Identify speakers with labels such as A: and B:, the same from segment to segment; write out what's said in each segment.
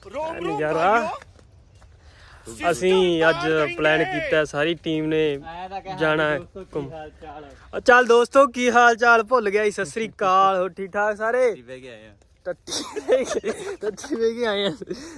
A: ਨਜ਼ਾਰਾ। ਅਸੀਂ ਅੱਜ ਪਲਾਨ ਕੀਤਾ ਸਾਰੀ ਟੀਮ ਨੇ ਜਾਣਾ ਚੱਲ ਦੋਸਤੋ ਕੀ ਹਾਲ ਚਾਲ ਭੁੱਲ ਗਿਆ ਸਤਿ ਸ੍ਰੀ ਅਕਾਲ ਹੋ ਠੀਕ ਠਾਕ ਸਾਰੇ ਟੱਟੀ ਵੇ ਕੇ ਆਏ ਆ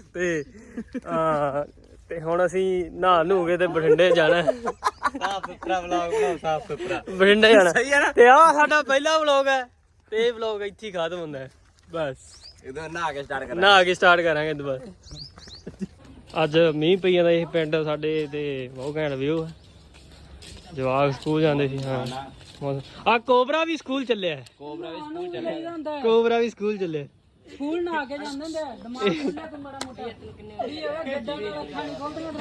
A: ਤੇ ਹੁਣ ਅਸੀਂ ਨਹਾ ਨੂ ਕੇ ਤੇ ਬਠਿੰਡੇ ਜਾਣਾ ਸਾਫ ਸੁਥਰਾ ਵਲੌਗ ਬਣਾਓ ਸਾਫ ਸੁਥਰਾ ਬਠਿੰਡੇ ਜਾਣਾ ਤੇ ਆਹ ਸਾਡਾ ਪਹਿਲਾ ਵਲੌਗ ਹੈ ਤੇ ਇਹ ਵਲੌਗ ਇੱਥੇ ਹੀ ਖਤਮ ਹੁੰਦਾ ਬਸ
B: ਇਹਦਾ ਨਹਾ ਕੇ
A: ਸਟਾਰਟ ਕਰਾਂਗੇ ਦੁਬਾਰਾ ਅੱਜ ਮੀਂਹ ਪਈ ਜਾਂਦਾ ਇਹ ਪਿੰਡ ਸਾਡੇ ਤੇ ਬਹੁਤ ਘੈਂਟ ਵਿਊ ਹੈ ਜਵਾਕ ਸਕੂਲ ਜਾਂਦੇ ਸੀ ਹਾਂ ਆ ਕੋਬਰਾ ਵੀ ਸਕੂਲ ਚੱਲਿਆ ਕੋਬਰਾ ਵੀ ਸਕੂਲ ਚੱਲਿਆ
C: ਸਕੂਲ ਨਾ ਕੇ ਜਾਂਦੇ ਹੁੰਦੇ ਦਿਮਾਗ ਖੁੱਲਿਆ ਤੂੰ ਬੜਾ ਮੋਟਾ ਕੀ ਹੋਇਆ ਗੱਡਾਂ ਨਾਲ ਅੱਖਾਂ ਨਹੀਂ ਖੋਲਦੀਆਂ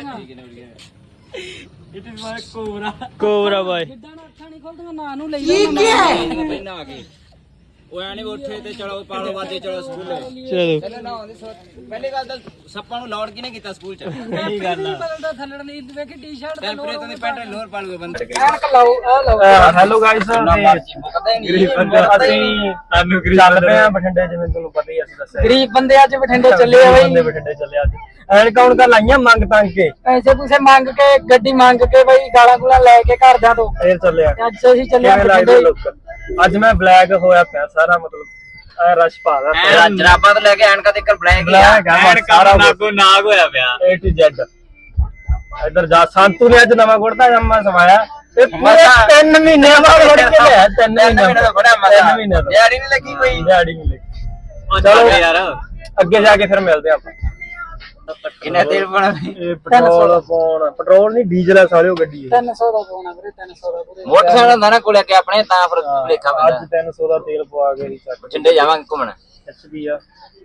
C: ਤੇਰੀਆਂ
A: ਕੋਬਰਾ ਬਾਈ
C: ਗੱਡਾਂ ਨਾਲ ਅੱਖਾਂ ਨਹੀਂ ਖੋਲਦੀਆਂ ਨਾ ਨੂੰ ਲਈ
B: ਨਹਾ ਕੇ ਉਹ ਐ ਨਹੀਂ ਉੱਠੇ ਤੇ ਚਲੋ ਪਾਲੋ ਵਾਦੇ ਚਲੋ ਸਕੂਲ
A: ਚਲੋ
B: ਪਹਿਲੀ ਗੱਲ ਤਾਂ ਸੱਪਾਂ ਨੂੰ ਲਾਉਡ ਕਿਨੇ ਕੀਤਾ ਸਕੂਲ ਚ
C: ਸਹੀ ਗੱਲ ਆ ਬਦਲਦਾ ਥੱਲੜ ਨਹੀਂ ਵੇਖੀ ਟੀ-ਸ਼ਰਟ
B: ਤੇ ਫਿਰ ਤੁਸੀਂ ਪੈਂਟ ਲੋਰ ਪਾ ਲਓ ਬੰਦੇ
C: ਐਨਕ ਲਾਓ ਆ ਲਾਓ
A: ਹੈਲੋ ਗਾਇਸ ਗਰੀਬ ਬੰਦੇ ਅਸੀਂ ਸਾਨੂੰ ਚੱਲ ਪਏ ਆ ਬਠਿੰਡੇ ਜਿਵੇਂ ਤੁਹਾਨੂੰ ਪਤਾ ਹੀ ਅਸੀਂ ਦੱਸਿਆ
C: ਗਰੀਬ ਬੰਦੇ ਅੱਜ ਬਠਿੰਡੇ ਚੱਲੇ ਆ ਬਈ
A: ਬਠਿੰਡੇ ਚੱਲੇ ਅੱਜ ਐਨਕਾਂ ਹੁਣ ਲਾਈਆਂ ਮੰਗ ਤੰਗ ਕੇ
C: ਪੈਸੇ ਪੂਸੇ ਮੰਗ ਕੇ ਗੱਡੀ ਮੰਗ ਕੇ ਬਈ ਗਾਲਾਂ ਗੁਲਾਂ ਲੈ ਕੇ ਘਰਦਿਆਂ ਤੋਂ
A: ਫੇਰ ਚੱਲਿਆ
C: ਅੱਜ ਅਸੀਂ ਚੱਲੇ ਆ ਬਠਿੰਡੇ
A: ਅੱਜ ਮੈਂ ਬਲੈਕ ਹੋਇਆ ਪਿਆ ਸਾਰਾ ਮਤਲਬ ਐ ਰਸ਼ ਪਾਦਾ
B: ਜਰਾਬਾਂ ਤੋਂ ਲੈ ਕੇ ਐਨਕਾਂ ਤੱਕ ਬਲੈਕ
A: ਸਾਰਾ ਨਾਗ ਹੋਇਆ ਪਿਆ A to Z ਇਧਰ ਜਾ ਸੰਤੂ ਨੇ ਅੱਜ ਨਵਾਂ ਗੁੜਦਾ ਜੰਮਾ ਸਮਾਇਆ ਤੇ ਪੂਰੇ 3 ਮਹੀਨੇ ਬਾਅਦ ਗੁੜ ਕੇ ਲਿਆ 3 ਮਹੀਨੇ ਦਾ ਬੜਾ ਮਜ਼ਾ
B: ਦਿਹਾੜੀ ਨਹੀਂ ਲੱਗੀ ਕੋਈ
A: ਦਿਹਾੜੀ ਨਹੀਂ ਲੱਗੀ ਚਲੋ ਯਾਰ ਅੱਗੇ ਜਾ ਕੇ ਫਿਰ ਮਿਲਦੇ ਆਪਾਂ
B: ਕਿੰਨਾ ਤੇਲ ਪਾਣਾ
A: ਇਹ ਪੈਟਰੋਲ ਨਹੀਂ ਡੀਜ਼ਲ ਆ ਸਾਲਿਓ ਗੱਡੀ
C: 300 ਦਾ ਪਾਉਣਾ ਵੀਰੇ 300 ਦਾ ਪੂਰੇ
B: ਮੋਟਰਸਾਈਕਲ ਹੁੰਦਾ ਨਾ ਕੋਲੇ ਅੱਗੇ ਆਪਣੇ ਤਾਂ ਫਿਰ ਲੇਖਾ
A: ਅੱਜ 300 ਦਾ ਤੇਲ ਪਵਾ ਕੇ ਹੀ ਚੱਕ
B: ਚਿੰਡੇ ਜਾਵਾਂਗੇ ਘੁੰਮਣ
A: ਐਚਪੀ ਆ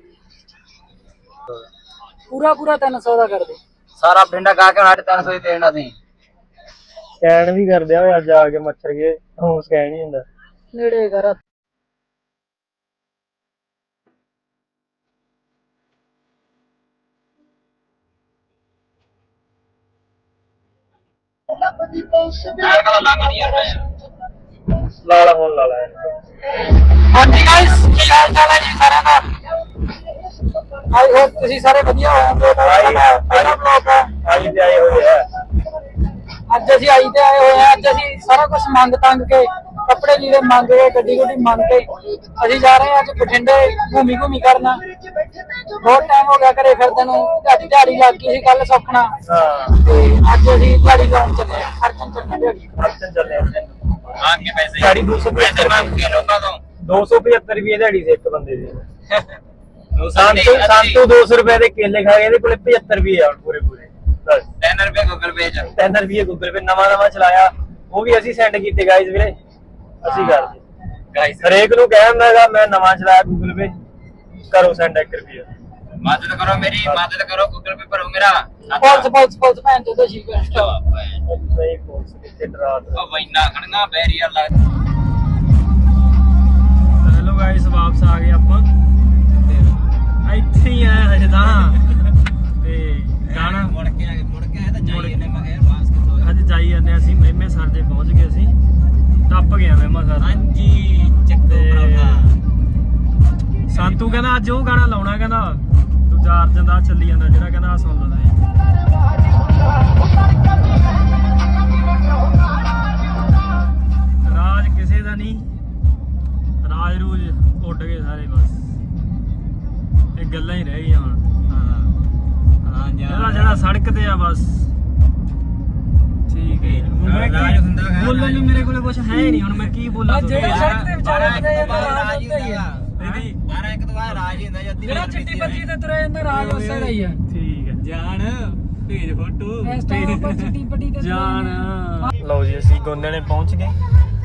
C: ਪੂਰਾ 300 ਦਾ ਕਰ ਦੇ
B: ਸਾਰਾ ਪਿੰਡਾ ਗਾ ਕੇ 300 ਹੀ ਦੇਣਾ ਸੀ
A: ਸਕੈਨ ਵੀ ਕਰਦੇ ਆ ਅੱਜ ਆ ਕੇ ਮੱਛਰ ਗਏ ਹੁਣ ਸਕੈਨ ਨਹੀਂ ਹੁੰਦਾ
C: ਨੇੜੇ ਕਰ
A: ਲਾਲਾ ਹੁਣ ਲਾਲਾ
C: ਹਾਂਜੀ ਗਾਇਸ ਕੀ ਹਾਲ ਚਾਲ ਹੈ ਜੀ ਸਾਰਿਆਂ ਦਾ ਆਈ ਹੋਪ ਤੁਸੀਂ ਸਾਰੇ ਵਧੀਆ ਹੋਵੋਗੇ ਪਹਿਲਾ ਬਲੌਗ ਹੈ
A: ਆਈ ਤੇ ਆਏ ਹੋਏ ਆ
C: ਅੱਜ ਅਸੀਂ ਆਈ ਤੇ ਆਏ ਹੋਏ ਆ ਅੱਜ ਅਸੀਂ ਸਾਰਾ ਕੁਝ ਮੰਗ ਤੰਗ ਕੇ ਕੱਪੜੇ ਲੀੜੇ ਮੰਗ ਕੇ ਗੱਡੀ ਮੰਗ ਕੇ ਅਸੀਂ ਜਾ ਰਹੇ ਹਾਂ ਅੱਜ ਬਠਿੰਡੇ ਘੁੰਮੀ ਕਰਨਾ ਬਹੁਤ ਟਾਈਮ ਹੋ ਗਿਆ ਘਰੇ ਫਿਰਦੇ ਨੂੰ ਦਿਹਾੜੀ ਲੱਗ ਗਈ ਸੀ ਕੱਲ ਸੁੱਖਣਾ ਤੇ ਅੱਜ ਅਸੀਂ ਦਿਹਾੜੀ ਲਾਉਣ ਚੱਲੇ ਆ ਖਰਚਣ ਚੱਲੇ
B: ਮੰਗ ਕੇ ਪੈਸੇ
A: ਦਿਹਾੜੀ 275
B: ਮੰਗ ਕੇ ਲੋਕਾਂ ਤੋਂ
A: 275 ਰੁਪਏ ਦਿਹਾੜੀ ਸੀ ਇੱਕ ਬੰਦੇ ਦੀ ਸੰਤੂ 200 ਰੁਪਏ ਦੇ ਕੇਲੇ ਖਾ ਗਏ ਇਹਦੇ ਕੋਲੇ 75 ਰੁਪਏ ਆ ਪੂਰੇ
B: 3 ਰੁਪਏ ਗੂਗਲ ਪੇ ਚ
A: 3 ਰੁਪਏ ਗੂਗਲ ਪੇ ਨਵਾਂ ਚਲਾਇਆ ਉਹ ਵੀ ਅਸੀਂ ਸੈਂਡ ਕੀਤੇ ਗਾਇਜ਼ ਵੀਰੇ ਅਸੀਂ ਕਰਦੇ
B: ਗਾਇਸ
A: ਹਰੇਕ ਨੂੰ ਕਹਿੰਦਾ ਹੈਗਾ ਮੈਂ ਨਵਾਂ ਚਲਾਇਆ ਗੂਗਲ ਪੇ ਕਰੋ ਸੈਂਡ 1 ਰੁਪਿਆ
B: ਮਦਦ ਕਰੋ ਮੇਰੀ ਮਦਦ ਕਰੋ ਗੂਗਲ ਪੇ ਭਰੋ ਮੇਰਾ
C: ਪੁਲਿਸ ਭੈਣ ਚੋਦ ਸੀ
A: ਨਹੀਂ ਪੁਲਿਸ ਕਿੱਥੇ ਡਰਾ ਦੇ
B: ਉਹ ਵੈਨਾ ਖੜੀਆਂ ਬੈਰੀਅਰ ਲਾ
A: ਹੈਲੋ ਗਾਇਸ ਵਾਪਸ ਆ ਗਏ ਆਪਾਂ ਇੱਥੇ ਹੀ ਆਏ ਹਜੇ ਤਾਂ ਤੇ ਗਾਣਾ
B: ਮੁੜ ਕੇ ਆਏ ਤਾਂ ਜਾਈਏ ਨੇ ਮੈਂ ਕਿਹਾ ਵਾਪਸ ਕਿੱਥੋਂ
A: ਅੱਜ ਜਾਈ ਜਾਂਦੇ ਅਸੀਂ ਮਹਿਮੇ ਸਰ ਦੇ ਪਹੁੰਚ ਗਏ ਅਸੀਂ ਟੱਪ ਗਿਆ ਮਹਿਮਾ ਸਰ
B: ਹਾਂਜੀ ਚੱਕੋ ਭਰਾਵਾ
A: ਸੰਤੂ ਕਹਿੰਦਾ ਅੱਜ ਉਹ ਗਾਣਾ ਲਾਉਣਾ ਕਹਿੰਦਾ ਦੂਜਾ ਅਰਜਨ ਦਾ ਚੱਲੀ ਜਾਂਦਾ ਜਿਹੜਾ ਕਹਿੰਦਾ ਆ ਸੁਣ ਲੈਂਦਾ ਰਾਜ ਕਿਸੇ ਦਾ ਨਹੀਂ ਰਾਜ ਰੂਜ ਉੱਡ ਗਏ ਸਾਰੇ ਬਸ ਇਹ ਗੱਲਾਂ ਹੀ ਰਹਿ ਗਈਆਂ ਹੁਣ
B: ਹਾਂ
A: ਜਿਹੜਾ ਸੜਕ ਤੇ ਆ ਬਸ ਠੀਕ ਹੈ ਬੋਲਣ ਨੂੰ ਮੇਰੇ ਕੋਲੇ ਕੁਝ ਹੈ ਨਹੀਂ ਹੁਣ ਮੈਂ ਕੀ ਬੋਲਾਂ
C: ਜਿਹੜਾ ਸੜਕ ਤੇ ਵਿਚਾਰੇ
B: ਰਾਜ ਹੀ ਹੁੰਦਾ ਦੀਦੀ 12 ਇੱਕ ਤੋਂ ਬਾਅਦ ਰਾਜ ਹੀ ਹੁੰਦਾ ਜੱਦੀ
C: ਜਿਹੜਾ ਚਿੱਟੀ ਪੱਤੀ ਤੇ ਤੁਰਿਆ ਜਾਂਦਾ ਰਾਜ ਉਸੇ ਦਾ ਹੀ ਆ
A: ਠੀਕ ਹੈ
B: ਜਾਨ ਭੇਜ ਫੋਟੋ
C: ਇਸ ਟਾਈਮ ਉੱਪਰ ਚਿੱਟੀ ਪੱਟੀ ਤੇ
A: ਜਾਨ ਲਓ ਜੀ ਅਸੀਂ ਗੋਂਦੇ ਨੇ ਪਹੁੰਚ ਗਏ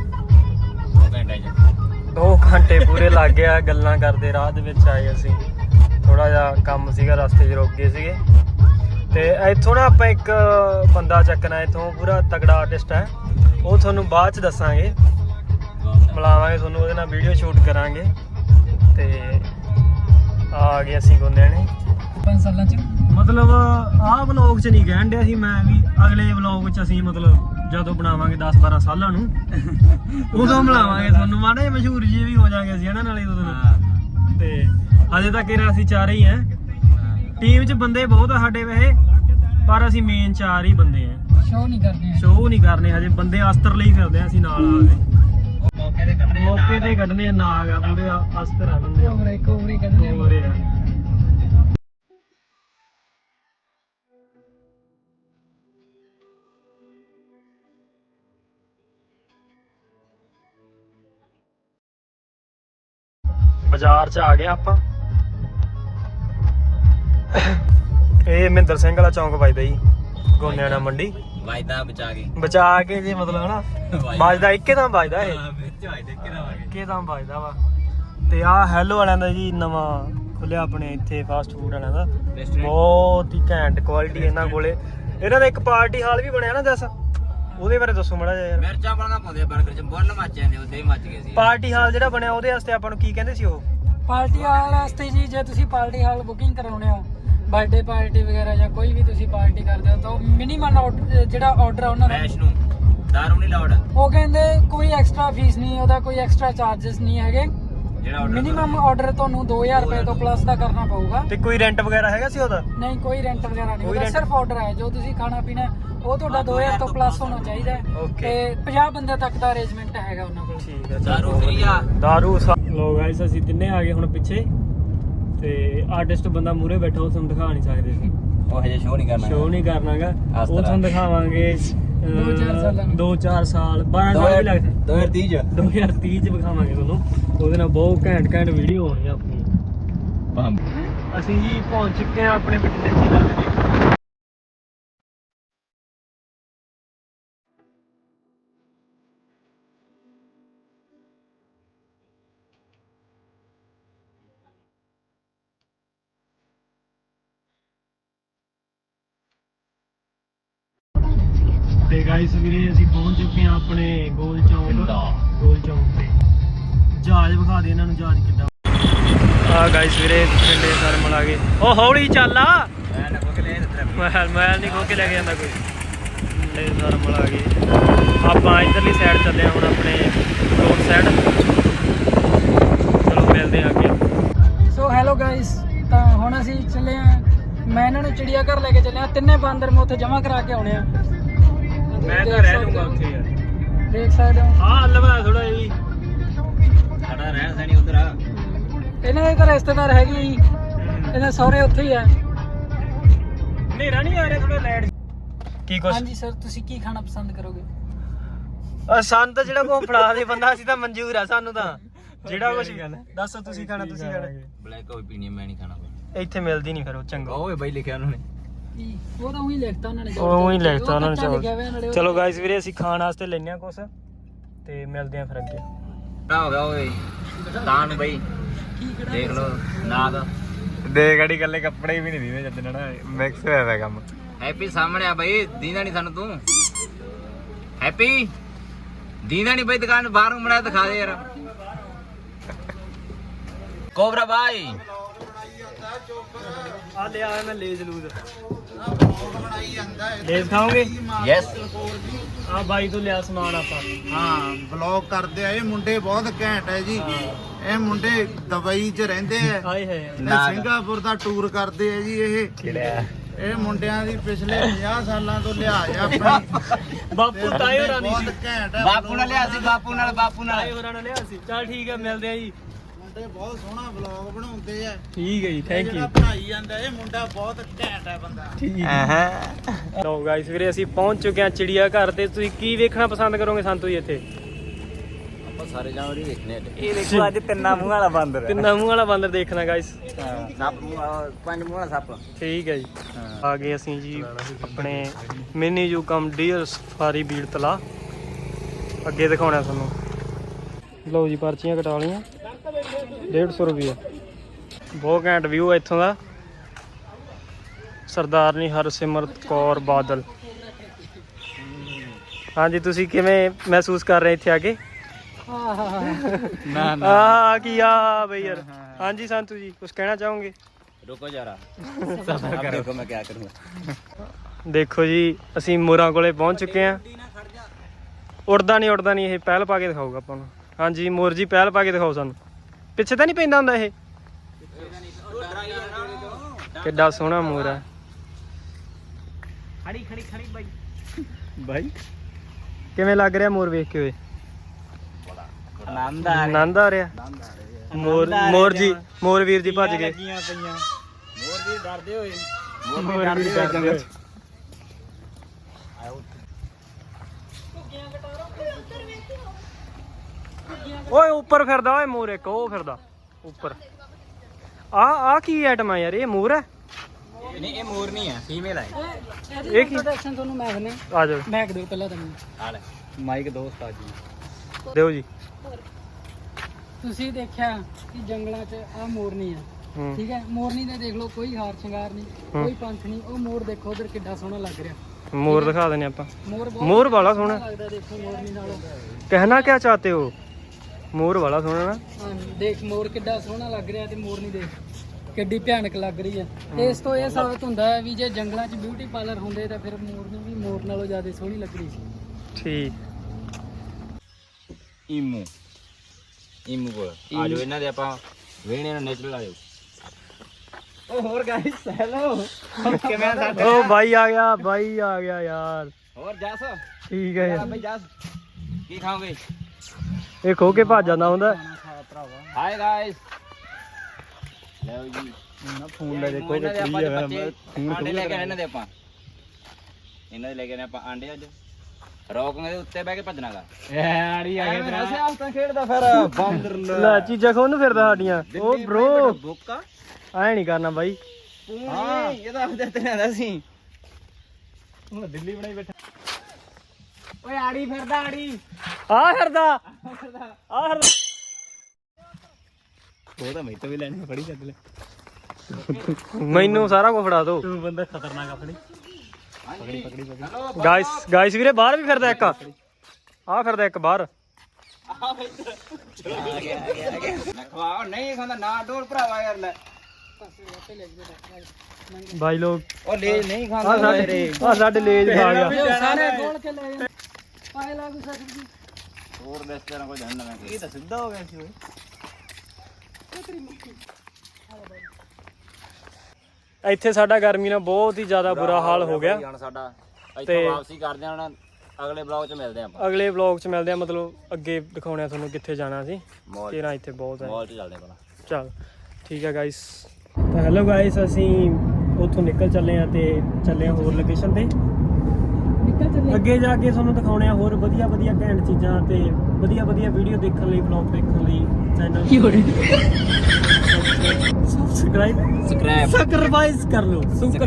A: 2 ਘੰਟੇ ਪੂਰੇ ਲੱਗ ਗਿਆ ਗੱਲਾਂ ਕਰਦੇ ਰਾਹ ਦੇ ਵਿੱਚ ਆਏ ਅਸੀਂ ਥੋੜਾ ਜਿਹਾ ਕੰਮ ਸੀਗਾ ਰਸਤੇ 'ਚ ਰੁਕ ਗਏ ਸੀਗੇ ਤੇ ਇੱਥੋਂ ਨਾ ਆਪਾਂ ਇੱਕ ਬੰਦਾ ਚੱਕਣਾ ਇੱਥੋਂ ਪੂਰਾ ਤਗੜਾ ਆਰਟਿਸਟ ਹੈ ਉਹ ਤੁਹਾਨੂੰ ਬਾਅਦ 'ਚ ਦੱਸਾਂਗੇ ਮਿਲਾਵਾਂਗੇ ਤੁਹਾਨੂੰ ਉਹਦੇ ਨਾਲ ਵੀਡੀਓ ਸ਼ੂਟ ਕਰਾਂਗੇ ਤੇ ਆ ਗਏ ਅਸੀਂ ਗੋਂਦੇ ਨੇ
C: 5 ਸਾਲਾਂ ਚ
A: ਮਤਲਬ ਆਹ ਵਲੌਗ 'ਚ ਨਹੀਂ ਕਹਿਣ ਡਿਆ ਸੀ ਮੈਂ ਵੀ ਅਗਲੇ ਵਲੌਗ 'ਚ ਅਸੀਂ ਮਤਲਬ ਜਦੋਂ ਬਣਾਵਾਂਗੇ 10-12 ਸਾਲਾਂ ਨੂੰ ਉਦੋਂ ਮਿਲਾਵਾਂਗੇ ਤੁਹਾਨੂੰ ਮਾੜੇ ਮਸ਼ਹੂਰ ਜੀ ਵੀ ਹੋ ਜਾਾਂਗੇ ਅਸੀਂ ਇਹਨਾਂ ਨਾਲੇ ਉਦੋਂ ਤੇ ਅਜੇ ਤੱਕ ਅਸੀਂ ਚਾਰੇ ਹੀ ਆ ਟੀਮ 'ਚ ਬੰਦੇ ਬਹੁਤ ਆ ਸਾਡੇ ਵੈਸੇ, ਪਰ ਅਸੀਂ ਮੇਨ 4 ਹੀ ਬੰਦੇ ਆ।
C: ਸ਼ੋਅ ਨਹੀਂ ਕਰਦੇ
A: ਸ਼ੋਅ ਨਹੀਂ ਕਰਨੇ ਹਜੇ, ਬੰਦੇ ਅਸਤਰ ਲਈ ਫਿਰਦੇ ਆ ਅਸੀਂ ਨਾਲ ਆ ਕੇ। ਮੌਕੇ ਤੇ ਕੱਢਨੇ ਆ ਨਾਗ ਆ ਪੂਰੇ ਅਸਤਰ ਆ ਬੰਦੇ
C: ਕੋਵਰੇ ਕੱਢਣੇ
A: ਹੋਰੇ ਆ। ਬਾਜ਼ਾਰ 'ਚ ਆ ਗਏ ਆਪਾਂ। ਇਹ ਮਹਿੰਦਰ ਸਿੰਘ ਵਾਲਾ ਚੌਂਕ ਵੱਜਦਾ ਜੀ, ਗੋਨਿਆਣਾ ਮੰਡੀ
B: ਵਾਇਦਾ
A: ਬਚਾ ਕੇ ਜੀ, ਮਤਲਬ ਹਨਾ ਵੱਜਦਾ ਇੱਕੇ ਦਮ ਵੱਜਦਾ ਇਹ, ਇੱਕੇ ਦਮ ਵੱਜਦਾ ਵਾ। ਤੇ ਆਹ ਹੈਲੋ ਵਾਲਿਆਂ ਦਾ ਜੀ ਨਵਾਂ ਖੁੱਲਿਆ ਆਪਣੇ ਇੱਥੇ ਫਾਸਟ ਫੂਡ ਵਾਲਿਆਂ ਦਾ, ਬਹੁਤ ਹੀ ਘੈਂਟ ਕੁਆਲਿਟੀ ਇਹਨਾਂ ਕੋਲੇ। ਇਹਨਾਂ ਦਾ ਇੱਕ ਪਾਰਟੀ ਹਾਲ ਵੀ ਬਣਿਆ ਨਾ, ਦੱਸ ਉਹਦੇ ਬਾਰੇ ਦੱਸੋ ਮਾੜਾ ਜਿਹਾ ਯਾਰ।
B: ਮਿਰਚਾਂ ਪਾਉਣਾ ਪਾਉਂਦੇ 버ਗਰ ਚ ਬੁੱਲ ਮੱਚ ਜਾਂਦੇ, ਉੱਥੇ ਹੀ ਮੱਚ ਗਏ ਸੀ।
A: ਪਾਰਟੀ ਹਾਲ ਜਿਹੜਾ ਬਣਿਆ ਉਹਦੇ ਵਾਸਤੇ ਆਪਾਂ ਨੂੰ ਕੀ ਕਹਿੰਦੇ ਸੀ ਉਹ?
C: ਪਾਰਟੀ ਹਾਲ ਵਾਸਤੇ ਜੀ, ਜੇ ਤੁਸੀਂ ਪਾਰਟੀ ਹਾਲ ਬੁਕਿੰਗ ਕਰਾਉਣੇ ਹੋ, ਬਰਥਡੇ ਪਾਰਟੀ ਵਗੈਰਾ ਜਾਂ ਕੋਈ ਵੀ ਤੁਸੀਂ ਪਾਰਟੀ ਕਰਦੇ ਹੋ, ਤਾਂ ਮਿਨੀਮਮ ਜਿਹੜਾ ਆਰਡਰ ਆ ਉਹਨਾਂ ਦਾ
B: ਮੈਸ਼ ਨੂੰ ਦਾਰੂ ਨਹੀਂ ਲਾਉਡ,
C: ਉਹ ਕਹਿੰਦੇ ਕੋਈ ਐਕਸਟਰਾ ਫੀਸ ਨਹੀਂ, ਉਹਦਾ ਕੋਈ ਐਕਸਟਰਾ ਚਾਰजेस ਨਹੀਂ ਹੈਗੇ।
B: ਜਿਹੜਾ
C: ਮਿਨੀਮਮ ਆਰਡਰ ਤੁਹਾਨੂੰ 2000 ਰੁਪਏ ਤੋਂ ਪਲੱਸ ਦਾ ਕਰਨਾ ਪਊਗਾ।
A: ਤੇ ਕੋਈ ਰੈਂਟ ਵਗੈਰਾ ਹੈਗਾ ਸੀ ਉਹਦਾ?
C: ਨਹੀਂ, ਕੋਈ ਰੈਂਟ ਵਗੈਰਾ ਨਹੀਂ,
A: ਕੋਈ
C: ਉਹਦਾ
A: rent?
C: ਸਿਰਫ ਆਰਡਰ ਹੈ। ਜੋ ਤੁਸੀਂ ਖਾਣਾ ਪੀਣਾ ਉਹ ਤੁਹਾਡਾ 2000 ਤੋਂ ਪਲੱਸ ਹੋਣਾ ਚਾਹੀਦਾ ਹੈ।
A: Okay.
C: ਤੇ 50 ਬੰਦੇ ਤੱਕ ਦਾ ਅਰੇਂਜਮੈਂਟ ਹੈਗਾ ਉਹਨਾਂ ਕੋਲ।
A: ਠੀਕ ਹੈ,
B: ਦਾਰੂ free ਆ।
A: ਦਾਰੂ ਲੋ ਗਾਇਸ, ਅਸੀਂ ਤਿੰਨੇ ਆ ਗਏ ਹੁਣ ਪਿੱਛੇ, ਤੇ ਆਰਟਿਸਟ ਬੰਦਾ ਮੂਰੇ ਬੈਠਾ, ਉਹ ਤੁਹਾਨੂੰ ਦਿਖਾ ਨਹੀਂ ਸਕਦੇ ਸੀ,
B: ਉਹ ਹਜੇ ਸ਼ੋਅ ਨਹੀਂ ਕਰਨਾ,
A: ਸ਼ੋਅ ਨਹੀਂ ਕਰਨਾਗਾ।
B: ਇਸ
A: ਉਹ
B: ਤਰ੍ਹਾਂ
A: ਤੁਹਾਨੂੰ ਦਿਖਾਵਾਂਗੇ 2-4 ਸਾਲ 12 ਵੀ ਲੱਗਦਾ 2030 ਚ ਵਿਖਾਵਾਂਗੇ ਤੁਹਾਨੂੰ। ਉਹਦੇ ਨਾਲ ਬਹੁਤ ਘੈਂਟ ਵੀਡੀਓ ਹੋਣੀ ਆ ਆਪਣੀ। ਅਸੀਂ ਜੀ ਪਹੁੰਚ ਚੁੱਕੇ ਆ ਆਪਣੇ ਬਠਿੰਡੇ ਜ਼ਿਲ੍ਹੇ ਦੇ। ਤੇ ਗਾਇਸ ਵੀਰੇ ਅਸੀਂ ਪਹੁੰਚ ਚੁੱਕੇ ਆ ਆਪਣੇ ਗੋਲ ਚੌਂਕ ਤੇ। ਜਹਾਜ਼ ਵਿਖਾ ਦੇ ਇਹਨਾਂ ਨੂੰ, ਜਹਾਜ਼ ਕਿੱਦਾਂ। ਆ ਗਾਇਸ ਵੀਰੇ ਪਿੰਡੇ ਸਰਮਲ ਆ ਗਏ। ਉਹ ਹੌਲੀ ਚੱਲ ਆ, ਮੈਲ ਨਹੀਂ ਖੋ ਕੇ ਲੈ ਕੇ ਜਾਂਦਾ ਕੋਈ। ਪਿੰਡੇ ਸਰਮਲ ਆ ਗਏ। ਆਪਾਂ ਇਧਰਲੀ ਸਾਈਡ ਚੱਲੇ ਆ ਹੁਣ, ਆਪਣੇ ਰੋਡ ਸਾਈਡ। ਚਲੋ ਮਿਲਦੇ ਆ ਅੱਗੇ।
C: ਸੋ ਹੈਲੋ ਗਾਇਸ, ਤਾਂ ਹੁਣ ਅਸੀਂ ਚੱਲੇ ਆ, ਮੈਂ ਇਹਨਾਂ ਨੂੰ ਚਿੜੀਆ ਘਰ ਲੈ ਕੇ ਚੱਲੇ ਆ। ਤਿੰਨੇ ਬਾਂਦਰ ਮੈਂ ਉੱਥੇ ਜਮ੍ਹਾਂ ਕਰਾ ਕੇ ਆਉਣੇ ਆ।
A: ਮੈਂ ਤਾਂ ਰਹਿ ਲੂੰਗਾ ਉੱਥੇ ਯਾਰ,
C: ਦੇਖ ਸਕਦੇ ਹੋ।
A: ਹਾਂ ਲਵਾ ਥੋੜਾ ਜੀ,
B: ਸਾਡਾ ਰਹਿਣ ਸੈਣੀ ਉਧਰ ਆ।
C: ਇਹਨਾਂ ਦੇ ਤਾਂ ਰਿਸ਼ਤੇਦਾਰ ਹੈਗੇ ਜੀ, ਇਹਨਾਂ ਸਹੁਰੇ ਉੱਥੇ ਹੀ ਆ।
A: ਹਨੇਰਾ ਨਹੀਂ ਆ ਰਿਹਾ, ਥੋੜਾ ਲਾਈਟ ਕੀ ਕੁਛ।
C: ਹਾਂਜੀ ਸਰ, ਤੁਸੀਂ ਕੀ ਖਾਣਾ ਪਸੰਦ ਕਰੋਗੇ?
A: ਸਾਨੂੰ ਤਾਂ ਜਿਹੜਾ ਕੋ ਫੜਾ ਦੇ ਬੰਦਾ, ਅਸੀਂ ਤਾਂ ਮਨਜ਼ੂਰ ਆ ਸਾਨੂੰ ਤਾਂ ਜਿਹੜਾ ਕੁਛ। ਦੱਸੋ ਤੁਸੀਂ ਖਾਣਾ, ਤੁਸੀਂ ਖਾਣਾ।
B: ਬਲੈਕ ਕਾਫੀ ਪੀਣੀ ਮੈਂ ਨਹੀਂ ਖਾਣਾ।
A: ਇੱਥੇ ਮਿਲਦੀ ਨਹੀਂ ਫਿਰ ਉਹ ਚੰਗਾ।
B: ਓਏ ਬਾਈ ਲਿਖਿਆ ਉਹਨਾਂ ਨੇ,
C: ਉਹ ਤਾਂ ਉਹੀ ਲਿਖਤਾ ਉਹਨਾਂ ਨੇ,
A: ਉਹ ਹੀ ਲਿਖਤਾ ਉਹਨਾਂ
C: ਕੱਚਾ ਲਿਖਿਆ ਹੋਇਆ ਨਾਲੇ
A: ਨੇ।
C: ਉਹ।
A: ਚਲੋ ਗਾਇਸ ਵੀਰੇ ਅਸੀਂ ਖਾਣ ਵਾਸਤੇ ਲੈਨੇ ਆ ਕੁਛ, ਤੇ ਮਿਲਦੇ ਆ ਫਿਰ ਅੱਗੇ।
B: ਕਿਹੜਾ ਹੋ ਗਿਆ ਓਏ ਤਾਂ ਨੂੰ ਬਈ, ਦੇਖ ਲਓ ਨਾਗ
A: ਦੇ ਗੜੀ ਕੱਲੇ ਕੱਪੜੇ ਵੀ ਨਹੀਂ ਦੀਦੇ ਜਦ ਨਾ ਮਿਕਸ ਹੋਇਆ ਪਿਆ ਕੰਮ।
B: ਹੈਪੀ ਸਾਹਮਣੇ ਆ ਬਈ, ਦੀਦਾ ਨਹੀਂ ਸਾਨੂੰ ਤੂੰ। ਹੈਪੀ ਦੀਦਾ ਨਹੀਂ ਬਈ, ਦੁਕਾਨ ਬਾਹਰੋਂ ਬਣਾਇਆ ਦਿਖਾ ਦੇ ਯਾਰ। ਕੋਬਰਾ ਬਾਈ
A: ਆ ਲਿਆ ਮੈਂ ਲੇਜ਼ ਲੂਜ਼। ਲੇਜ਼ ਖਾਓਗੇ?
B: ਯੈਸ।
A: ਆ ਬਾਈ ਤੋਂ ਲਿਆ ਸਮਾਨ ਆਪਾਂ।
D: ਹਾਂ ਵਲੌਗ ਕਰਦੇ ਆ ਇਹ ਮੁੰਡੇ, ਬਹੁਤ ਘੈਂਟ ਹੈ ਜੀ। ਇਹ ਮੁੰਡੇ ਦੁਬਈ 'ਚ ਰਹਿੰਦੇ ਆ
A: ਹਾਏ ਹਾਏ।
D: ਤੇ ਸਿੰਗਾਪੁਰ ਦਾ ਟੂਰ ਕਰਦੇ ਆ ਜੀ। ਇਹ ਮੁੰਡਿਆਂ ਦੀ ਪਿਛਲੇ 50 ਸਾਲਾਂ ਤੋਂ ਲਿਹਾਜ਼ ਆ ਆਪਣੀ।
A: ਬਾਪੂ ਤਾਏ ਹੋਰਾਂ ਨਹੀਂ ਸੀ,
D: ਬਹੁਤ ਘੈਂਟ ਹੈ।
B: ਬਾਪੂ ਨਾਲ ਲਿਆ ਸੀ, ਬਾਪੂ ਨਾਲ
A: ਤਾਏ ਹੋਰਾਂ ਨਾਲ ਲਿਆ ਸੀ। ਚਲ ਠੀਕ ਹੈ, ਮਿਲਦੇ ਆ ਜੀ।
D: ਮੁੰਡੇ ਬਹੁਤ ਸੋਹਣਾ ਵਲੌਗ ਬਣਾਉਂਦੇ ਆ।
A: ਠੀਕ ਹੈ ਜੀ, ਥੈਂਕ ਯੂ।
D: ਜਿਹੜਾ ਬਣਾਈ ਜਾਂਦਾ ਇਹ ਮੁੰਡਾ ਬਹੁਤ ਘੈਂਟ ਹੈ ਬੰਦਾ।
A: ਠੀਕ। ਲੋ ਗਾਇਸ ਵੀਰੇ ਅਸੀਂ ਪਹੁੰਚ ਚੁੱਕੇ ਆ ਚਿੜੀਆ ਘਰ ਤੇ। ਤੁਸੀਂ ਕੀ ਵੇਖਣਾ ਪਸੰਦ ਕਰੋਗੇ ਸੰਤੂ ਜੀ ਇੱਥੇ?
B: ਆਪਾਂ ਸਾਰੇ ਜਾਨਵਰ ਹੀ ਦੇਖਣੇ ਆ।
A: ਇਹ ਦੇਖੋ ਅੱਜ ਤਿੰਨਾਂ ਮੂੰਹ ਵਾਲਾ ਬਾਂਦਰ ਦੇਖਣਾ ਗਾਇਸ।
B: ਸੱਪ, 5 ਮੂੰਹ ਵਾਲਾ ਸੱਪ।
A: ਠੀਕ ਹੈ ਜੀ। ਆ ਗਏ ਅਸੀਂ ਜੀ ਆਪਣੇ ਮਿਨੀ ਜੂ ਕਮ ਡੀਅਰ ਸਫਾਰੀ ਬੀੜ ਤਲਾ। ਅੱਗੇ ਦਿਖਾਉਣਾ ਤੁਹਾਨੂੰ। ਲਓ ਜੀ ਪਰਚੀਆਂ ਕਟਾ ਲਈਆਂ, 150 ਰੁਪਏ। ਬਹੁਤ ਘੈਂਟ ਵਿਊ ਹੈ ਇੱਥੋਂ ਦਾ। ਸਰਦਾਰਨੀ ਹਰਸਿਮਰਤ ਕੌਰ ਬਾਦਲ। ਹਾਂਜੀ, ਤੁਸੀਂ ਕਿਵੇਂ ਮਹਿਸੂਸ ਕਰ ਰਹੇ ਇੱਥੇ ਆ ਕੇ?
B: ਨਾ
A: ਕੀ ਆ ਬਈ ਯਾਰ। ਹਾਂਜੀ ਸੰਤੂ ਜੀ, ਕੁਝ ਕਹਿਣਾ ਚਾਹੋਗੇ?
B: ਰੁਕੋ ਜਰਾ, ਸਬਰ ਕਰੋ। ਦੇਖੋ ਮੈਂ ਕੀ ਕਰੂੰਗਾ।
A: ਦੇਖੋ ਜੀ ਅਸੀਂ ਮੋਰਾਂ ਕੋਲੇ ਪਹੁੰਚ ਚੁੱਕੇ ਆ। ਉੜਦਾ ਨਹੀਂ ਇਹ, ਪਹਿਲ ਪਾ ਕੇ ਦਿਖਾਊਗਾ ਆਪਾਂ ਨੂੰ। ਹਾਂਜੀ ਮੋਰ ਜੀ, ਪਹਿਲ ਪਾ ਕੇ ਦਿਖਾਓ ਸਾਨੂੰ। ਪਿੱਛੇ ਤਾਂ ਨਹੀਂ ਪੈਂਦਾ ਹੁੰਦਾ ਇਹ? ਕਿੱਡਾ ਸੋਹਣਾ ਮੋਰ ਆ
B: ਖੜੀ ਖੜੀ ਖੜੀ ਬਾਈ
A: ਬਾਈ ਕਿਵੇਂ ਲੱਗ ਰਿਹਾ ਮੋਰ ਵੇਖ ਕੇ ਓਏ
B: ਆਨੰਦ
A: ਆਨੰਦ ਆ ਰਿਹਾ ਮੋਰ ਵੀਰ ਜੀ ਭੱਜ ਗਏ
B: ਪਈਆਂ ਮੋਰ ਵੀ ਡਰਦੇ ਹੋਏ
A: ਮੋਰ ਵੀਰ ਡਰਦੇ ਹੋਏ। ਓਏ ਉੱਪਰ ਫਿਰਦਾ ਓਏ ਮੋਰ ਇੱਕ ਉਹ ਫਿਰਦਾ ਉੱਪਰ ਆ ਕੀ ਆਈਟਮ ਆ ਯਾਰ ਇਹ ਮੋਰ ਹੈ
B: ਨਹੀਂ ਇਹ ਮੋਰ ਨਹੀਂ ਹੈ ਫੀਮੇਲ ਹੈ
A: ਇਹ ਕੀ
C: ਇੰਟਰੋਡਕਸ਼ਨ ਤੁਹਾਨੂੰ ਮੈਂ ਦਿੰਦਾ
A: ਆ ਜਾਓ
C: ਮੈਂ ਦਿਓ ਪਹਿਲਾਂ ਤੁਹਾਨੂੰ
B: ਆ ਲੈ ਮਾਈਕ ਦੋਸਤ ਆ ਜੀ
A: ਦਿਓ ਜੀ
C: ਤੁਸੀਂ ਦੇਖਿਆ ਕਿ ਜੰਗਲਾਂ 'ਚ ਆ ਮੋਰਨੀ ਆ
A: ਹੂੰ
C: ਠੀਕ ਹੈ ਮੋਰਨੀ ਦੇ ਦੇਖ ਲਓ ਕੋਈ ਹਾਰ ਸ਼ਿੰਗਾਰ ਨਹੀਂ ਕੋਈ ਪੰਖ ਨਹੀਂ ਉਹ ਮੋਰ ਦੇਖੋ ਉਧਰ ਕਿੱਡਾ ਸੋਹਣਾ ਲੱਗ ਰਿਹਾ
A: ਮੋਰ ਦਿਖਾ ਦਿੰਨੇ ਆਪਾਂ
C: ਮੋਰ ਬਹੁਤ
A: ਮੋਰ ਵਾਲਾ ਸੋਹਣਾ
C: ਲੱਗਦਾ ਦੇਖੋ ਮੋਰਨੀ ਨਾਲੋਂ
A: ਕਹਿਣਾ ਕਿਆ ਚਾਹਤੇ ਹੋ ਮੋਰ ਵਾਲਾ ਸੋਹਣਾ ਨਾ
C: ਹਾਂ ਦੇਖ ਮੋਰ ਕਿੱਡਾ ਸੋਹਣਾ ਲੱਗ ਰਿਹਾ ਤੇ ਮੋਰਨੀ ਦੇਖ ਕਿੱਡੀ ਭਿਆਨਕ ਲੱਗ ਰਹੀ ਹੈ ਤੇ ਇਸ ਤੋਂ ਇਹ ਸਾਬਤ ਹੁੰਦਾ ਹੈ ਵੀ ਜੇ ਜੰਗਲਾਂ 'ਚ ਬਿਊਟੀ ਪਾਰਲਰ ਹੁੰਦੇ ਤਾਂ ਫਿਰ ਮੋਰਨੀ ਵੀ ਮੋਰ ਨਾਲੋਂ ਜ਼ਿਆਦਾ ਸੋਹਣੀ ਲੱਗਣੀ ਸੀ
A: ਠੀਕ
B: ਇਮੂ ਕੋਲ ਆ ਜਾਓ ਇਹਨਾਂ ਦੇ ਆਪਾਂ ਵੇਣੇ ਨੂੰ ਨੇਚਰਲ ਆ ਜਾਓ ਉਹ ਹੋਰ ਗਾਇਸ ਹੈਲੋ ਕਿਵੇਂ ਆ
A: ਓ ਬਾਈ ਆ ਗਿਆ ਯਾਰ
B: ਹੋਰ ਜਸ
A: ਠੀਕ ਹੈ ਯਾਰ
B: ਬਈ ਜਸ ਕੀ ਖਾਓਗੇ
A: ਇਹ ਖੋ ਕੇ ਭੱਜ ਜਾਂਦਾ ਹੁੰਦਾ
B: ਹਾਈ ਗਾਇਸ ਲਓ ਜੀ
A: ਨਾ ਫੋਨ ਲੈ ਦੇਖੋ
B: ਇਹਨਾਂ ਦੇ ਆਪਾਂ ਆਂਡੇ ਲੈ ਕੇ ਆਏ ਇਹਨਾਂ ਦੇ ਆਪਾਂ ਇਹਨਾਂ ਦੇ ਲੈ ਕੇ ਆਏ ਆਪਾਂ ਆਂਡੇ ਅੱਜ ਰੋਕਾਂ ਦੇ ਉੱਤੇ ਬਹਿ ਕੇ ਭੱਜਣਾਗਾ
A: ਆੜੀ ਆ
B: ਗਿਆ ਤੇਰਾ ਸਿਆਸਤਾਂ ਖੇਡਦਾ ਫਿਰ ਬਾਂਦਰ
A: ਲੈ ਚੀਜ਼ਾਂ ਖੋਨ ਫਿਰਦਾ ਸਾਡੀਆਂ ਓ ਬ్రో
B: ਬੁੱਕਾ
A: ਐ ਨਹੀਂ ਕਰਨਾ ਬਾਈ
B: ਹਾਂ ਇਹ ਤਾਂ ਆਪਦੇ ਤੇ ਆਂਦਾ ਸੀ ਹੁਣ ਦਿੱਲੀ ਬਣਾਈ ਬੈਠਾ ਓਏ ਆੜੀ ਫਿਰਦਾ ਆੜੀ
A: ਆ ਫਿਰਦਾ
B: ਉਹ ਤਾਂ ਮੈਥੋਂ ਵੀ ਲੈਣੀ ਫੜੀ ਚੱਕ ਲੈ
A: ਮੈਨੂੰ ਸਾਰਾ ਕੁਝ ਫੜਾ ਦੋ
B: ਤੂੰ ਬੰਦਾ ਖਤਰਨਾਕ ਆਪਣੀ
A: ਗਾਇਸ ਵੀਰੇ ਬਾਹਰ ਵੀ ਫਿਰਦਾ ਇੱਕ ਆ ਫਿਰਦਾ ਇੱਕ ਬਾਹਰ
B: ਨਾ ਖਵਾਓ ਨਹੀਂ ਖਾਂਦਾ ਨਾ ਡੋਲ ਭਰਾਵਾ ਯਾਰ ਲੈ
A: ਬਾਈ ਲੋਕ
B: ਉਹ ਲੈ ਨਹੀਂ
A: ਆ
B: ਖਾਂਦਾ
A: ਸਾਡੇ ਲੇਜ ਖਾ ਗਿਆ
C: ਸਾਰੇ ਗੋਲ ਕੇ ਲੈ ਜਾਂਦੇ ਪਾਏ ਲਾਗੂ ਸਕਦੀ
B: ਹੋਰ ਦੱਸ ਤੇਰਾ ਕੋਈ ਜਾਣਦਾ ਮੈਂ
A: ਇਹ ਤਾਂ ਸਿੱਧਾ ਹੋ ਗਿਆ ਸੀ ਓਏ ਇੱਥੇ ਸਾਡਾ ਗਰਮੀ ਨਾਲ ਬਹੁਤ ਹੀ ਜ਼ਿਆਦਾ ਬੁਰਾ ਹਾਲ ਹੋ ਗਿਆ
B: ਹੁਣ ਸਾਡਾ
A: ਤੇ
B: ਇੱਥੋਂ ਵਾਪਸੀ ਕਰਦੇ ਹਾਂ ਹੁਣ ਅਗਲੇ ਬਲੌਗ 'ਚ ਮਿਲਦੇ ਆਪਾਂ
A: ਅਗਲੇ ਵਲੌਗ 'ਚ ਮਿਲਦੇ ਆ ਮਤਲਬ ਅੱਗੇ ਦਿਖਾਉਣੇ ਆ ਤੁਹਾਨੂੰ ਕਿੱਥੇ ਜਾਣਾ ਸੀ
B: ਮੌਲ
A: ਤੇਰਾ ਇੱਥੇ ਬਹੁਤ ਹੈ
B: ਮੌਲ 'ਚ ਚੱਲਦੇ ਆਪਾਂ
A: ਚਲ ਠੀਕ ਹੈ ਗਾਇਸ ਤਾਂ ਹੈਲੋ ਗਾਇਸ ਅਸੀਂ ਉੱਥੋਂ ਨਿਕਲ ਚੱਲੇ ਆ ਤੇ ਚੱਲੇ ਆ ਹੋਰ ਲੋਕੇਸ਼ਨ ਤੇ
C: ਨਿਕਲ ਚੱਲੇ
A: ਅੱਗੇ ਜਾ ਕੇ ਤੁਹਾਨੂੰ ਦਿਖਾਉਣੇ ਆ ਹੋਰ ਵਧੀਆ ਘੈਂਟ ਚੀਜ਼ਾਂ ਤੇ ਵਧੀਆ ਵੀਡੀਓ ਦੇਖਣ ਲਈ ਵਲੌਗ ਦੇਖਣ ਲਈ ਚੈਨਲ ਸਬਸਕ੍ਰਾਈਬ ਕਰ ਲਓ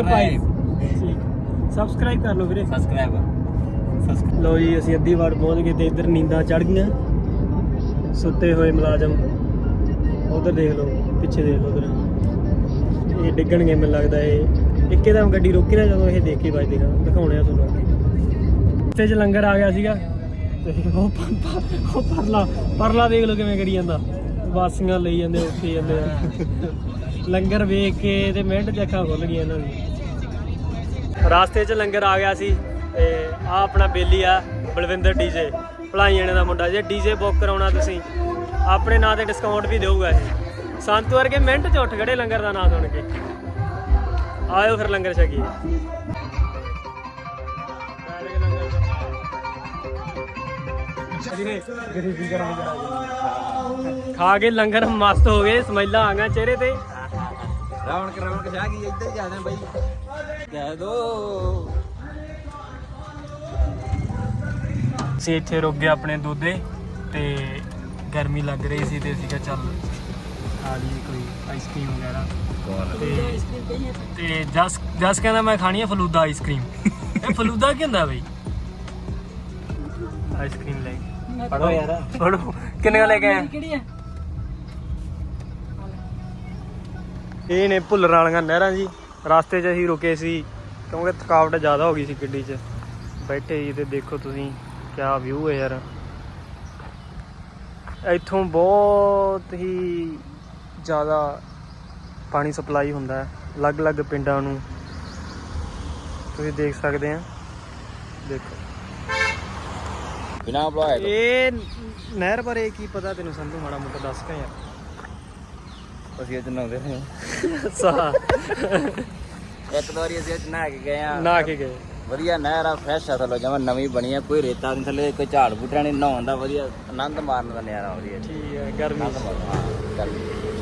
A: ਸਬਸਕ੍ਰਾਈਬ ਕਰ ਲਓ ਵੀਰੇ
B: ਸਬਸਕ੍ਰਾਈਬ
A: ਲਓ ਜੀ ਅਸੀਂ ਅੱਧੀ ਵਾਰ ਪਹੁੰਚ ਗਏ ਤੇ ਇੱਧਰ ਨੀਂਦਾਂ ਚੜ ਗਈਆਂ ਸੁੱਤੇ ਹੋਏ ਮੁਲਾਜ਼ਮ ਉਧਰ ਦੇਖ ਲਓ ਪਿੱਛੇ ਦੇਖ ਲਓ ਉਧਰ ਇਹ ਡਿੱਗਣਗੇ ਮੈਨੂੰ ਲੱਗਦਾ ਇਹ ਇੱਕਦਮ ਗੱਡੀ ਰੋਕੀ ਨਾ ਜਦੋਂ ਇਹ ਦੇਖ ਕੇ ਵੱਜਦੇਗਾ ਦਿਖਾਉਣੇ ਆ ਤੁਹਾਨੂੰ ਅੱਗੇ ਇੱਥੇ 'ਚ ਲੰਗਰ ਆ ਗਿਆ ਸੀਗਾ ਤੇ ਉਹ ਪਰਲਾ ਦੇਖ ਲਓ ਕਿਵੇਂ ਕਰੀ ਜਾਂਦਾ ਵਾਸੀਆਂ ਲਈ ਜਾਂਦੇ ਉੱਥੇ ਜਾਂਦੇ ਆ ਲੰਗਰ ਵੇਖ ਕੇ ਤੇ ਮਿੰਟ 'ਚ ਅੱਖਾਂ ਖੁੱਲ ਗਈਆਂ ਇਹਨਾਂ ਦੀ ਰਾਸਤੇ 'ਚ ਲੰਗਰ ਆ ਗਿਆ ਸੀ ਤੇ ਆ ਆਪਣਾ ਬੇਲੀ ਆ ਬਲਵਿੰਦਰ ਡੀਜੇ ਭਲਾਈਆਣੇ ਦਾ ਮੁੰਡਾ ਜੇ ਡੀਜੇ ਬੁੱਕ ਕਰਾਉਣਾ ਤੁਸੀਂ ਆਪਣੇ ਨਾਂ ਤੇ ਡਿਸਕਾਊਂਟ ਵੀ ਦੇਊਗਾ ਇਹ ਸੰਤ ਵਰਗੇ ਮਿੰਟ 'ਚ ਉੱਠ ਖੜੇ ਲੰਗਰ ਦਾ ਨਾਂ ਸੁਣ ਕੇ ਆਇਓ ਫਿਰ ਲੰਗਰ ਛਕੀਏ ਖਾ ਕੇ ਲੰਗਰ ਮਸਤ ਹੋ ਗਏ ਸਮੈਲਾਂ ਆ ਗਈਆਂ ਚਿਹਰੇ ਤੇ
B: ਰੌਣਕ ਸ਼ਾਹ ਕੀ ਇੱਧਰ ਹੀ ਜਾਂਦੇ ਬਾਈ ਕਹਿ ਦੋ
A: ਅਸੀਂ ਇੱਥੇ ਰੁਕ ਗਏ ਆਪਣੇ ਦੋਦੇ ਤੇ ਗਰਮੀ ਲੱਗ ਰਹੀ ਸੀ ਤੇ ਅਸੀਂ ਕਿਹਾ ਚੱਲ ਆ ਲਈ ਕੋਈ ਆਈਸਕ੍ਰੀਮ ਵਗੈਰਾ ਤੇ ਜਸ ਕਹਿੰਦਾ ਮੈਂ ਖਾਣੀ ਆ ਫਲੂਦਾ ਆਈਸਕ੍ਰੀਮ ਇਹ ਫਲੂਦਾ ਕੀ ਹੁੰਦਾ ਬਈ ਆਈਸਕ੍ਰੀਮ ਲੈ
B: ਪੜੋ ਯਾਰ
A: ਫੜੋ ਕਿੰਨੇ ਲੈ ਕੇ ਆਏ
C: ਕਿਹੜੀ ਹੈ
A: ਇਹ ਨੇ ਭੁੱਲਰ ਵਾਲੀਆਂ ਨਹਿਰਾਂ ਜੀ ਰਸਤੇ 'ਚ ਅਸੀਂ ਰੁਕੇ ਸੀ ਕਿਉਂਕਿ ਥਕਾਵਟ ਜ਼ਿਆਦਾ ਹੋ ਗਈ ਸੀ ਗੱਡੀ 'ਚ ਬੈਠੇ ਜੀ ਤੇ ਦੇਖੋ ਤੁਸੀਂ ਕਿਆ ਵਿਊ ਹੈ ਯਾਰ ਇੱਥੋਂ ਬਹੁਤ ਹੀ ਜ਼ਿਆਦਾ ਪਾਣੀ ਸਪਲਾਈ ਹੁੰਦਾ ਹੈ ਅਲੱਗ-ਅਲੱਗ ਪਿੰਡਾਂ ਨੂੰ ਤੁਸੀਂ ਦੇਖ ਸਕਦੇ ਆ ਦੇਖੋ
B: ਬਿਨਾ ਬਲੌਗ
A: ਇਹ ਨਹਿਰ ਬਾਰੇ ਕੀ ਪਤਾ ਤੈਨੂੰ ਸੰਧੂ ਮਾੜਾ ਮੋਟਾ ਦੱਸ ਕੇ ਯਾਰ
B: ਅਸੀਂ ਅੱਜ ਨਹਾਉਂਦੇ ਰਹੇ
A: ਅੱਛਾ
B: ਇੱਕ ਦੋ ਵਾਰੀ ਅਸੀਂ ਅੱਜ ਨਹਾ ਕੇ ਗਏ ਆ
A: ਨਾ ਕੇ ਗਏ
B: ਵਧੀਆ ਨਹਿਰ ਆ ਫਰੈਸ਼ ਆ ਥੱਲੇ ਜਮਾਂ ਨਵੀਂ ਬਣੀ ਆ ਕੋਈ ਰੇਤਾ ਨਹੀਂ ਥੱਲੇ ਕੋਈ ਝਾੜ ਬੂਟਾ ਨਹੀਂ ਨਹਾਉਣ ਦਾ ਵਧੀਆ ਆਨੰਦ ਮਾਰਨ ਦਾ ਨਜ਼ਾਰਾ ਵਧੀਆ
A: ਠੀਕ ਹੈ ਗਰਮੀ
B: ਆਨੰਦ ਮਾਰਨ ਹਾਂ ਗਰਮੀ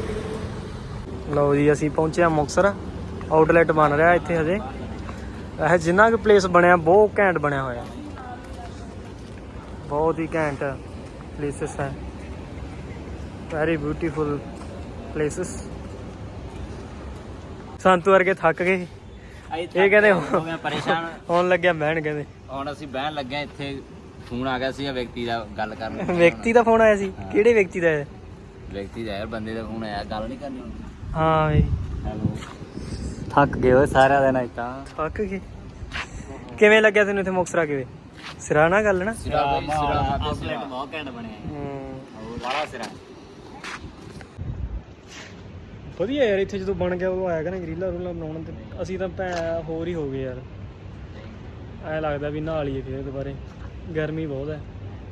A: ਲਓ ਜੀ ਅਸੀਂ ਪਹੁੰਚੇ ਆ ਮੁਕਤਸਰ ਆਊਟਲੈਟ ਬਣ ਰਿਹਾ ਇੱਥੇ ਹਜੇ ਇਹ ਜਿੰਨਾ ਕੁ ਪਲੇਸ ਬਣਿਆ ਬਹੁਤ ਘੈਂਟ ਬਣਿਆ ਹੋਇਆ ਬਹੁਤ ਹੀ ਘੈਂਟ ਪਲੇਸਿਸ ਹੈ ਵੈਰੀ ਬਿਊਟੀਫੁਲ ਪਲੇਸਿਸ ਸੰਤੂ ਵਰਗੇ ਥੱਕ ਗਏ ਇਹ ਕਹਿੰਦੇ
B: ਹੋ ਗਿਆ ਪਰੇਸ਼ਾਨ
A: ਆਉਣ ਲੱਗਿਆ ਬਹਿਣ ਕਹਿੰਦੇ
B: ਹੁਣ ਅਸੀਂ ਬਹਿਣ ਲੱਗੇ ਹਾਂ ਇੱਥੇ ਫੋਨ ਆ ਗਿਆ ਸੀ ਵਿਅਕਤੀ ਦਾ ਗੱਲ ਕਰਨ
A: ਵਿਅਕਤੀ ਦਾ ਫੋਨ ਆਇਆ ਸੀ ਕਿਹੜੇ ਵਿਅਕਤੀ ਦਾ ਹੈ
B: ਵਿਅਕਤੀ ਦਾ ਯਾਰ ਬੰਦੇ ਦਾ ਫੋਨ ਆਇਆ ਗੱਲ ਨਹੀਂ ਕਰਨੀ ਹੁਣ
A: ਹਾਂ ਬਈ
B: ਹੈਲੋ ਥੱਕ ਗਏ ਓਏ ਸਾਰਿਆਂ ਦਿਨ ਤਾਂ
A: ਥੱਕ ਗਏ ਕਿਵੇਂ ਲੱਗਿਆ ਤੈਨੂੰ ਇੱਥੇ ਮੁਕਤਸਰ ਆ ਕੇ ਸਿਰਾ ਨਾ ਗੱਲ ਨਾ
B: ਸਿਰਾ ਬਈ ਸਿਰਾ ਆਊਟਲੈਟ ਬਹੁਤ ਘੈਂਟ ਬਣਿਆ ਹੈ
A: ਹੂੰ
B: ਬੜਾ ਸਿਰਾ
A: ਵਧੀਆ ਯਾਰ ਇੱਥੇ ਜਦੋਂ ਬਣ ਗਿਆ ਉਦੋਂ ਆਇਆ ਕਰਾਂਗੇ ਰੀਲਾਂ ਰੂਲਾਂ ਬਣਾਉਣ ਤੇ ਅਸੀਂ ਤਾਂ ਹੋਰ ਹੀ ਹੋ ਗਏ ਯਾਰ ਐ ਲੱਗਦਾ ਵੀ ਨਹਾ ਲਈਏ ਫਿਰ ਦੁਬਾਰੇ ਗਰਮੀ ਬਹੁਤ ਹੈ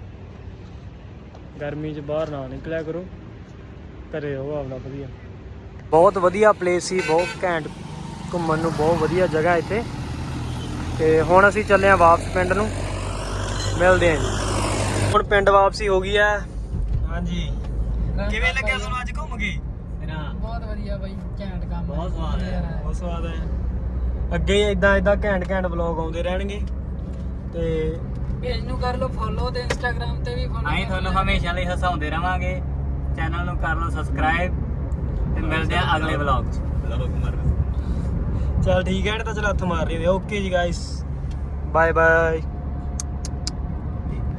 A: ਗਰਮੀ 'ਚ ਬਾਹਰ ਨਾ ਨਿਕਲਿਆ ਕਰੋ ਘਰੇ ਰਹੋ ਆਪਣਾ ਵਧੀਆ ਬਹੁਤ ਵਧੀਆ ਪਲੇਸ ਸੀ ਬਹੁਤ ਘੈਂਟ ਘੁੰਮਣ ਨੂੰ ਬਹੁਤ ਵਧੀਆ ਜਗ੍ਹਾ ਇੱਥੇ ਤੇ ਹੁਣ ਅਸੀਂ ਚੱਲੇ ਆ ਵਾਪਸ ਪਿੰਡ ਨੂੰ ਮਿਲਦੇ ਆਂ ਜੀ ਹੁਣ ਪਿੰਡ ਵਾਪਸੀ ਹੋ ਗਈ ਹੈ ਹਾਂਜੀ ਕਿਵੇਂ ਲੱਗਿਆ ਤੁਹਾਨੂੰ ਅੱਜ ਘੁੰਮ ਕੇ
C: ਬਹੁਤ ਵਧੀਆ ਬਾਈ ਘੈਂਟ ਕੰਮ
A: ਬਹੁਤ ਸਵਾਦ ਹੈ ਬਹੁਤ ਸਵਾਦ ਹੈ ਅੱਗੇ ਇਦਾਂ ਘੈਂਟ ਵਲੌਗ ਆਉਂਦੇ ਰਹਿਣਗੇ ਤੇ
C: ਪੇਜ ਨੂੰ ਕਰ ਲਓ ਫੋਲੋ ਤੇ ਇੰਸਟਾਗ੍ਰam ਤੇ ਵੀ ਫੋਲੋ
B: ਅਸੀਂ ਤੁਹਾਨੂੰ ਹਮੇਸ਼ਾ ਲਈ ਹਸਾਉਂਦੇ ਰਵਾਂਗੇ ਚੈਨਲ ਨੂੰ ਕਰ ਲਓ ਸਬਸਕ੍ਰਾਈਬ ਤੇ ਮਿਲਦੇ ਆ ਅਗਲੇ ਵਲੌਗ 'ਚ
A: ਚੱਲ ਠੀਕ ਹੈ ਤਾਂ ਚਲ ਹੱਥ ਮਾਰ ਰਹੀ ਓਕੇ ਜੀ ਗਾਇਸ ਬਾਏ ਬਾਏ